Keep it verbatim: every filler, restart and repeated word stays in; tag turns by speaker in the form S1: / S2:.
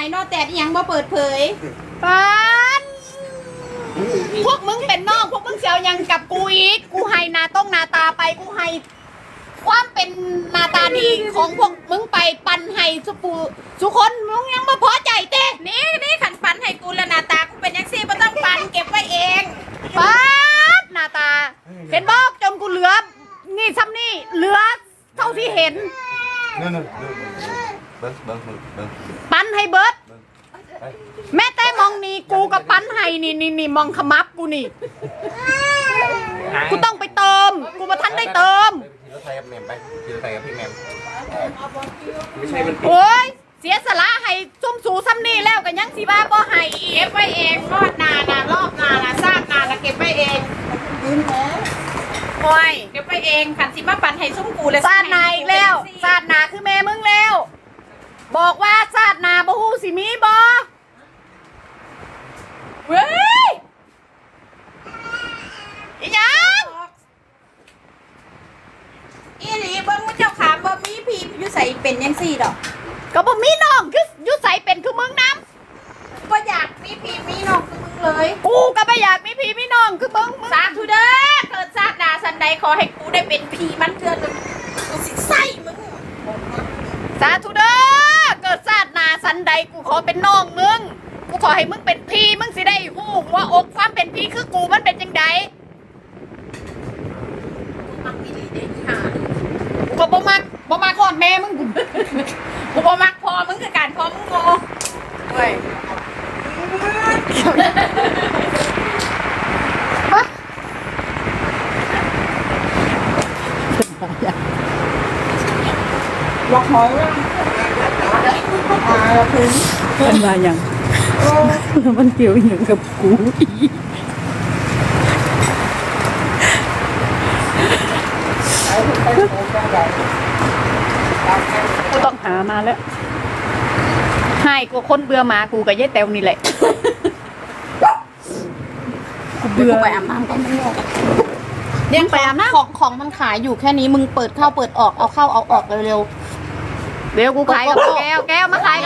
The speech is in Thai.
S1: นอแต่ยังบ่เปิดเผย
S2: ปานพวกมึงเป็นน้องพวกมึงเสียวยังกับกูอีกกูให้หนาต้องหนาตาไปกูให้ความเป็นหนาตาดีของพวกมึงไปปันให้สุปูสุคนมึงยังมาพอใจเต้
S1: นี่นี่ขันปันให้กูแล้วหน้าตากูเป็นยังซี่บ่ต้องปันเก็บไว้เอง
S2: ปาดหนาตา เห็นบอกจนกูเหลือนี่ซ้ำนี่เหลือเท่าที่เห็น
S3: นู่นนู่นเบิ้งเบิ้งเบิ้งเบิ้ง
S2: ปันให้เบิร์ด
S3: ไป
S2: แม่แต่มองนี่กูกับปันให้นี่นี่นี่มองขมับกูนี่กูต้องไปเติมกูมาทันได้เติม
S3: ขี่รถไทยกับแมมไปขี่รถไทยกับพี่แมมไม่ใช่มัน
S2: โอ้ยเสียสละให้ซุ่มสูซ้ำนี่แล้วกันยังสีบ้าบ่ให้อี
S1: เก็
S2: ก
S1: บไว้เองรอดนานะรอบนานะซากนานะเก็บไว้เอง
S2: โอ้ย
S1: เก็บไว้เองขันสิมาปันให้ซุ้มกูเลย
S2: ซาดนาอีกแล้วซาดนาคือแม่มึงแล้ว บอกว่าซาดนาบ่ฮู้สิมีบ่
S1: เว้ย
S2: อีหยัง
S1: อีหลีเบิ่งว่าเจ้าขามบ่มีพี่อยู่ใส่เป็นยังซี่ดอก
S2: ก็บ่มีน้องคืออยู่ใส่เป็นคือมึงนำ
S1: บ่อยากมีพี่มีน้องคือมึงเลย
S2: กูก็บ่อยากมีพี่มีน้องคือมึงมึง
S1: สาธุเด้อเกิดชาติหน้าสันใดขอให้กูได้เป็นพี่มันเถื่อนกูสิใส่มึง
S2: สาธุเด้อเกิดชาติหน้าสันใดกูขอเป็นน้องมึงกูขอให้มึงเป็นพี่มึงสิได้ฮู้ว่าอกความเป็นพี่คือกูมันเป็นจังได
S1: มักอีหลีเด้ค่ะ
S2: กูก็บ่มักบ่มักก่อนแม่มึง
S1: กูบ่มักพอมึงคือการพอมึงโง่เว้ย
S4: ล็อกหอยว่าอ่าถึง
S5: มันมาอย่างแล้วมันเกี่ยวอย่างกับกูอีก กูต้องหามาแล้ว ให้กูคนเบื่อหมากูกับยายแตวนี่แหละ กูเบื่อ
S1: ไปอาบน้ำกัน
S2: ยังไปอาบน้
S1: ของของมันขายอยู่แค่นี้มึงเปิดเข้าเปิดออกเอาเข้าเอาออกเร็ว
S2: ำเดี๋ยวกูขายกับแก้วแก้วมาขาย